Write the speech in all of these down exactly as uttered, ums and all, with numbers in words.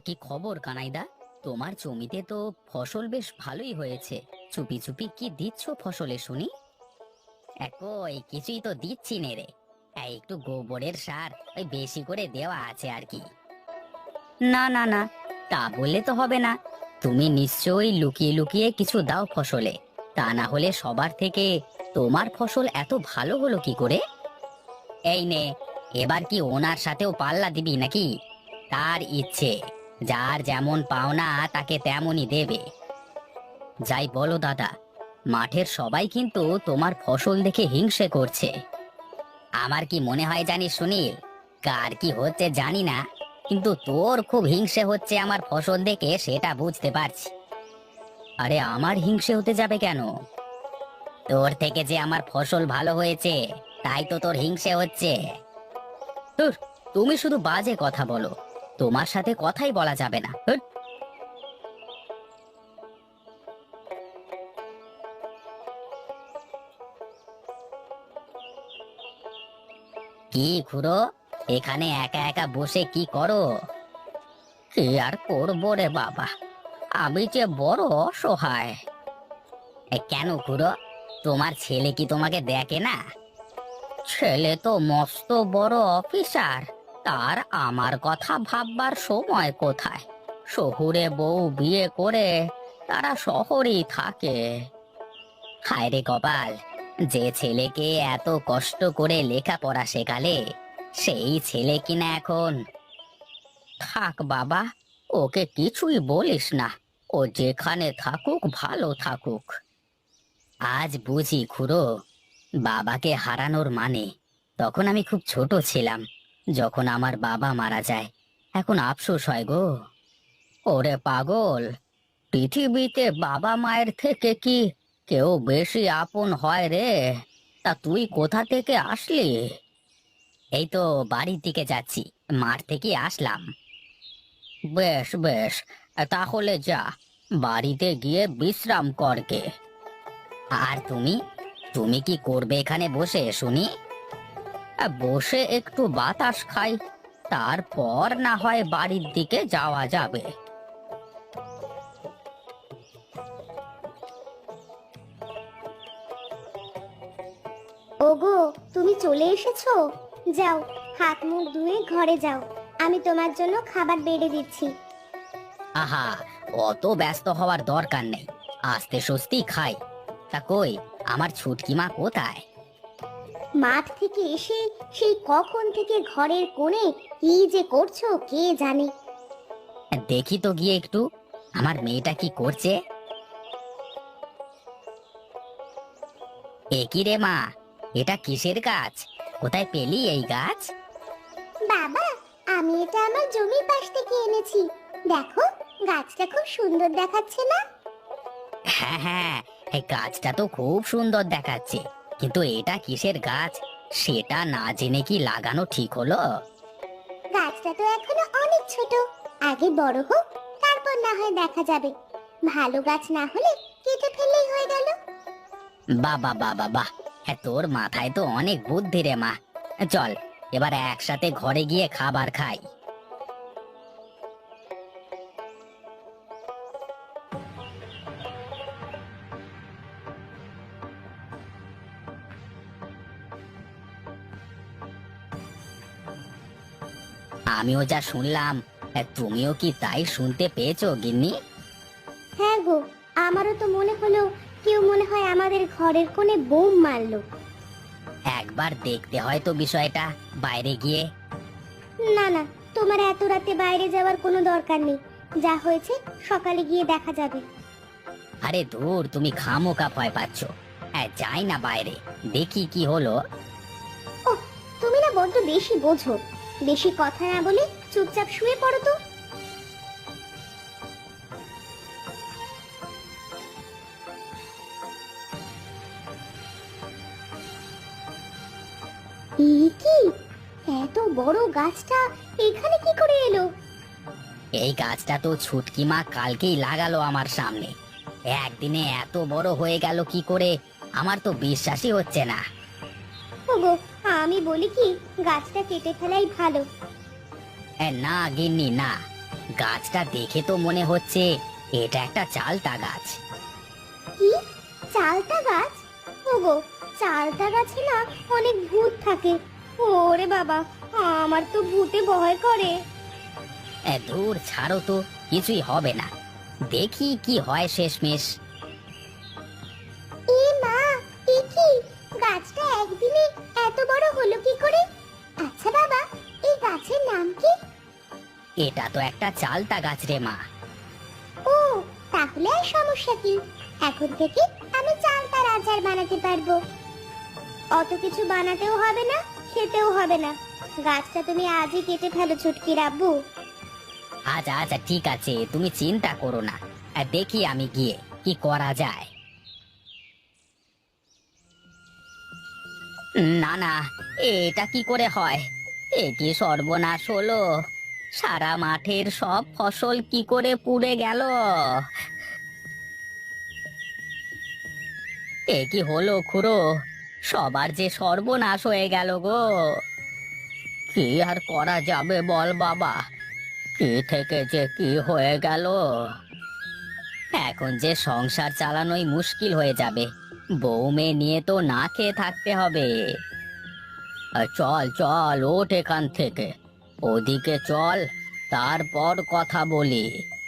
কি খবর কানাইদা? তোমার জমিতে তো ফসল বেশ ভালোই হয়েছে। চুপি চুপি কি দিচ্ছ ফসলে শুনি? একই কিছুই তো দিচ্ছি নে রে। এই একটু গোবরের সার ওই বেশি করে দেওয়া আছে আর কি। না না না, তা বললে তো হবে না। তুমি নিশ্চয়ই লুকিয়ে লুকিয়ে কিছু দাও ফসলে। তা না হলে সবার থেকে তোমার ফসল এত ভালো হলো কি করে? এই নে, এবার কি ওনার সাথেও পাল্লা দিবি নাকি? তার ইচ্ছে, যার যেমন পাওনা তাকে তেমনই দেবে। যাই বলো দাদা, মাঠের সবাই কিন্তু তোমার ফসল দেখে হিংসে করছে। আমার কি মনে হয় জানিস সুনীল, কার কি হচ্ছে জানি না, কিন্তু তোর খুব হিংসে হচ্ছে আমার ফসল দেখে, সেটা বুঝতে পারছি। আরে আমার হিংসে হতে যাবে কেন? তোর থেকে যে আমার ফসল ভালো হয়েছে, তাই তো তোর হিংসে হচ্ছে। ধুর, তুমি শুধু বাজে কথা বলো। তোমার সাথে কথাই বলা যাবে না, হুট। কি খুড়ো, এখানে একা একা বসে কি করো? কি আর করবো রে বাবা, আমি যে বড় অসহায়। এ, কেন খুড়ো, তোমার ছেলে কি তোমাকে দেখে না? ছেলে তো মস্ত বড় অফিসার, তার আমার কথা ভাববার সময় কোথায়? শহুরে বউ বিয়ে করে তারা শহরেই থাকে। হায় রে কপাল, যে ছেলেকে এত কষ্ট করে লেখাপড়া শেখালে, সেই ছেলে কিনা এখন। থাক বাবা, ওকে কিছুই বলিস না। ও যেখানে থাকুক ভালো থাকুক। আজ বুঝি খুড়ো, বাবাকে হারানোর মানে। তখন আমি খুব ছোট ছিলাম, যখন আমার বাবা মারা যায়। এখন আফসোস হয় গো। ওরে পাগল, পৃথিবীতে বাবা মায়ের থেকে কি কেউ বেশি আপন হয় রে? তা তুই কোথা থেকে আসলি? এই তো বাড়ির দিকে যাচ্ছি, মাঠ থেকে আসলাম। বেশ বেশ, তাহলে যা, বাড়িতে গিয়ে বিশ্রাম করকে। আর তুমি, তুমি কি করবে এখানে বসে শুনি? আহ, বসে একটু বাতাস খাই, তারপর না হয় বাড়ির দিকে যাওয়া যাবে। ওগো, তুমি চলে এসেছো? যাও, হাত মুখ ধুয়ে ঘরে যাও। আমি তোমার জন্য খাবার বেড়ে দিচ্ছি। আহা, অত ব্যস্ত হওয়ার দরকার নেই, আস্তে স্বস্তি খাই। তা কই, আমার ছুটকি মা কোথায়? মাঠ থেকে এসে সেই কখন থেকে ঘরের কোণে কি যে করছো কে জানে। দেখি তো গিয়ে একটু, আমার মেয়েটা কি করছে। এ কি রে মা, এটা কিসের গাছ? কোথায় পেলি এই গাছ? বাবা, আমি এটা আমার জমির পাশ থেকে এনেছি। দেখো, গাছটা খুব সুন্দর দেখাচ্ছে না? হ্যাঁ হ্যাঁ, এই গাছটা তো খুব সুন্দর দেখাচ্ছে, কিন্তু এটা কিসের গাছ সেটা না জেনে কি লাগানো ঠিক হলো? গাছটা তো এখনো অনেক ছোট, আগে বড় হোক, তারপর না হয় দেখা যাবে। ভালো গাছ না হলে কেটে ফেললেই হয়ে গেল। বাবা বাবা বাহ, হ্যাঁ তোর মাথায় তো অনেক বুদ্ধি রে মা। চল, এবার একসাথে ঘরে গিয়ে খাবার খাই। আমিও যা শুনলাম, হ্যাঁ, তুমিও কি তাই শুনতে পেয়েছো গিন্নি? হ্যাঁ গো, আমারও তো মনে হলো কেউ মনে হয় আমাদের ঘরের কোণে বোম মারলো। একবার দেখতে হয় তো বিষয়টা, বাইরে গিয়ে। না না, তোমার এত রাতে বাইরে যাওয়ার কোনো দরকার নেই। যা হয়েছে সকালে গিয়ে দেখা যাবে। আরে ধুর, তুমি খামোকা ভয় পাচ্ছ। হ্যাঁ, যাই না বাইরে, দেখি কি হলো। ও, তুমি না বড্ড বেশি বোঝো। বেশি কথা না বলে চুপচাপ শুয়ে পড়ো তো। এই কি, এত বড় গাছটা এখানে কি করে এলো? এই গাছটা তো ছুটকি মা কালকেই লাগালো আমার সামনে। একদিনে এত বড় হয়ে গেল কি করে, আমার তো বিশ্বাসই হচ্ছে না। ওগো, আমি বলি কি, গাছটা কেটে ফেলাই ভালো। এ, না গিন্নি না, গাছটা দেখে তো মনে হচ্ছে এটা একটা চালতা গাছ। কি, চালতা গাছ? ওগো, চালতা গাছে না অনেক ভূত থাকে। ওরে বাবা, আমার তো ভূতে ভয় করে। এ, ধুর ছাড়ো তো, কিছুই হবে না, দেখি কি হয় শেষমেশ। এ মা, এ কি, গাছটা একদিনে এত বড় হলো কি করে? আচ্ছা বাবা, এই গাছের নাম কি? এটা তো একটা চালতা গাছ রে মা। ও, তাহলে আর সমস্যা কি? এখন থেকে আমি চালতার আচার বানাতে পারবো। অত কিছু বানাতেও হবে না, খেতেও হবে না। গাছটা তুমি আজই কেটে ফেলো ছুটকির আব্বু। আচ্ছা আচ্ছা ঠিক আছে, তুমি চিন্তা করো না, আর দেখি আমি গিয়ে কি করা যায়। না না, এটা কি করে হয়? এ কি সর্বনাশ হলো! সারা মাঠের সব ফসল কি করে পুড়ে গেল! এ কি হলো খুড়ো, সবার যে সর্বনাশ হয়ে গেল গো! কি আর করা যাবে বল বাবা, কি থেকে যে কি হয়ে গেল! এখন যে সংসার চালানোই মুশকিল হয়ে যাবে, বউ মেয়ে নিয়ে তো না খেয়ে থাকতে হবে। আর চল চল, ওঠ এখান থেকে, ওদিকে চল, তারপর কথা বলি।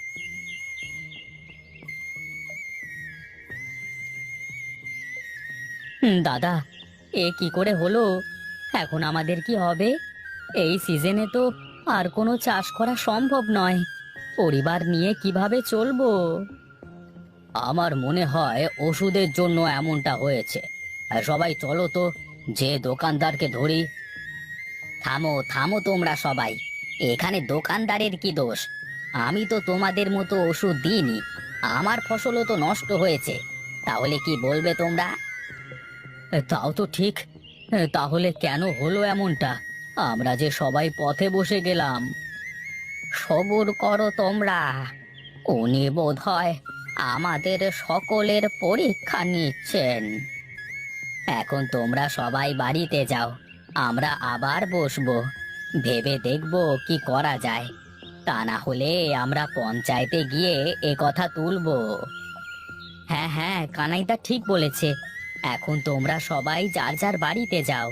হুম, দাদা, এ কি করে হলো? এখন আমাদের কি হবে? এই সিজনে তো আর কোনো চাষ করা সম্ভব নয়, পরিবার নিয়ে কিভাবে চলবো? আমার মনে হয় ওষুধের জন্য এমনটা হয়েছে। আর সবাই চলো তো, যে দোকানদারকে ধরি। থামো থামো তোমরা সবাই, এখানে দোকানদারের কি দোষ? আমি তো তোমাদের মতো ওষুধ দিইনি, আমার ফসলও তো নষ্ট হয়েছে, তাহলে কি বলবে তোমরা? এ, তাও তো ঠিক। এ, তাহলে কেন হলো এমনটা? আমরা যে সবাই পথে বসে গেলাম। সবুর করো তোমরা, উনি বোধ হয় আমাদের সকলের পরীক্ষা নিচ্ছেন। এখন তোমরা সবাই বাড়িতে যাও, আমরা আবার বসবো, ভেবে দেখবো কি করা যায়। তা না হলে আমরা পঞ্চায়েতে গিয়ে এ কথা তুলবো। হ্যাঁ হ্যাঁ, কানাইদা ঠিক বলেছে, এখন তোমরা সবাই যার যার বাড়িতে যাও।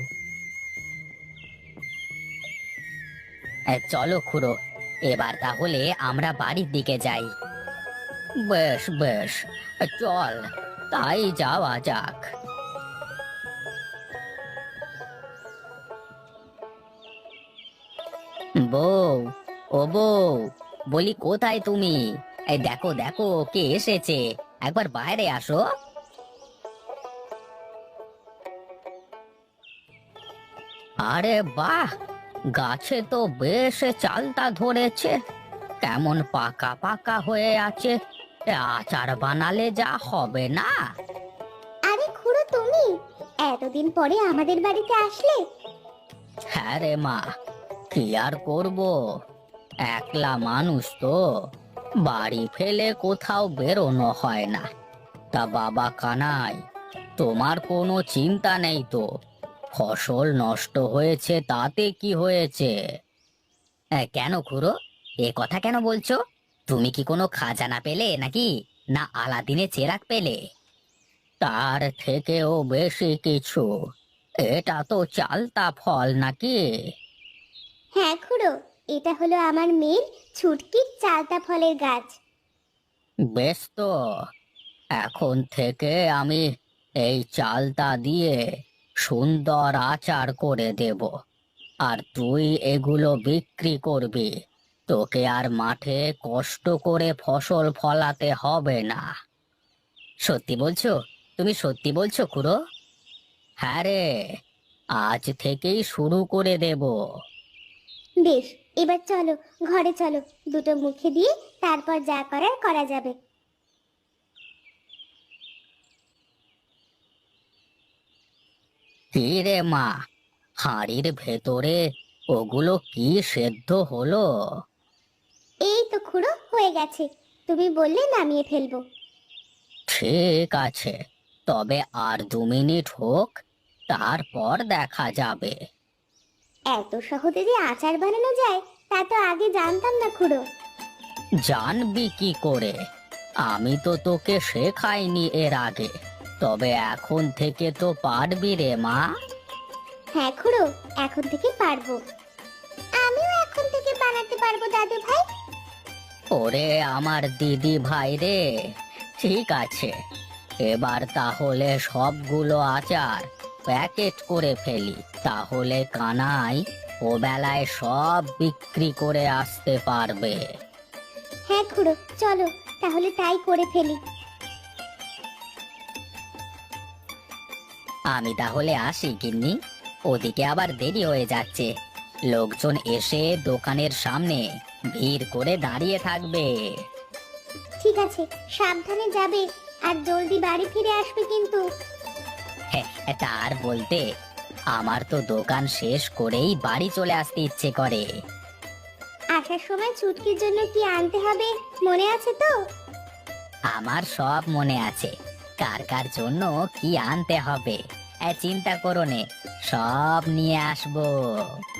এ, চলো খুড়ো, এবার তাহলে আমরা বাড়ির দিকে যাই। বেশ বেশ, চল, তাই যাওয়া যাক। বউ, ও বউ, বলি কোথায় তুমি? এই দেখো দেখো, কে এসেছে, একবার বাইরে আসো। আরে বাহ, গাছে তো বেশ চালতা ধরেছে, কেমন পাকা পাকা হয়ে আছে, এ আচার বানালে যা হবে না। আরে খুড়ো, তুমি এতদিন পরে আমাদের বাড়িতে আসলে? হ্যাঁ রে মা, কি আর করব, একলা মানুষ তো, বাড়ি ফেলে কোথাও বেরোনো হয় না। তা বাবা কানাই, তোমার কোনো চিন্তা নেই তো? ফসল নষ্ট হয়েছে তাতে কি হয়েছে? এ, কেন খুড়ো, এ কথা কেন বলছো? তুমি কি কোনো খাজানা পেলে নাকি, না আলাদিনে চেরাগ পেলে? তার থেকেও বেশি কিছু, এটা তো চালতা ফল নাকি? হ্যাঁ খুড়ো, এটা হলো আমার মেয়ের ছুটকির চালতা ফলের গাছ। বেশ তো, এখন থেকে আমি এই চালতা দিয়ে সুন্দর আচার করে দেব, আর তুই এগুলো বিক্রি করবি, তোকে আর মাঠে কষ্ট করে ফসল ফলাতে হবে না। সত্যি বলছো? তুমি সত্যি বলছো খুড়ো? হ্যাঁ রে, আজ থেকেই শুরু করে দেব। বেশ, এবার চলো, ঘরে চলো, দুটো মুখে দিয়ে তারপর যা করার করা যাবে। কি রে মা, হাঁড়ির ভেতরে ওগুলো কি সেদ্ধ হলো? এই তো খুড়ো, হয়ে গেছে, তুমি বললে নামিয়ে ফেলবো। ঠিক আছে, তবে আর দু মিনিট হোক, তারপর দেখা যাবে। এত সহজে যে আচার বানানো যায় তা তো আগে জানতাম না খুড়ো। জানবি কি করে? আমি তো তোকে শেখাইনি এর আগে, তবে এখন থেকে তো পারবি রে মা। হ্যাঁ খুড়ো, এখন থেকে পারবো। আমিও এখন থেকে বানাতে পারবো দাদু ভাই। ওরে আমার দিদি ভাই রে, ঠিক আছে, এবার তাহলে সবগুলো আচার প্যাকেট করে ফেলি, তাহলে কানাই ও বেলায় সব বিক্রি করে আসতে পারবে। হ্যাঁ খুড়ো, চলো তাহলে তাই করে ফেলি। আমি তাহলে আসি গিন্নি, ওদিকে আবার দেরি হয়ে যাচ্ছে, লোকজন এসে দোকানের সামনে ভিড় করে দাঁড়িয়ে থাকবে। ঠিক আছে, সাবধানে যাবে আর জলদি বাড়ি ফিরে আসবে কিন্তু। হ্যাঁ, তার বলতে আমার তো দোকান শেষ করেই বাড়ি চলে আসতে ইচ্ছে করে। আসার সময় ছুটকির জন্য কি আনতে হবে মনে আছে তো? আমার সব মনে আছে, কার কার জন্য কি আনতে হবে, এ চিন্তা করো নে, সব নিয়ে আসবো।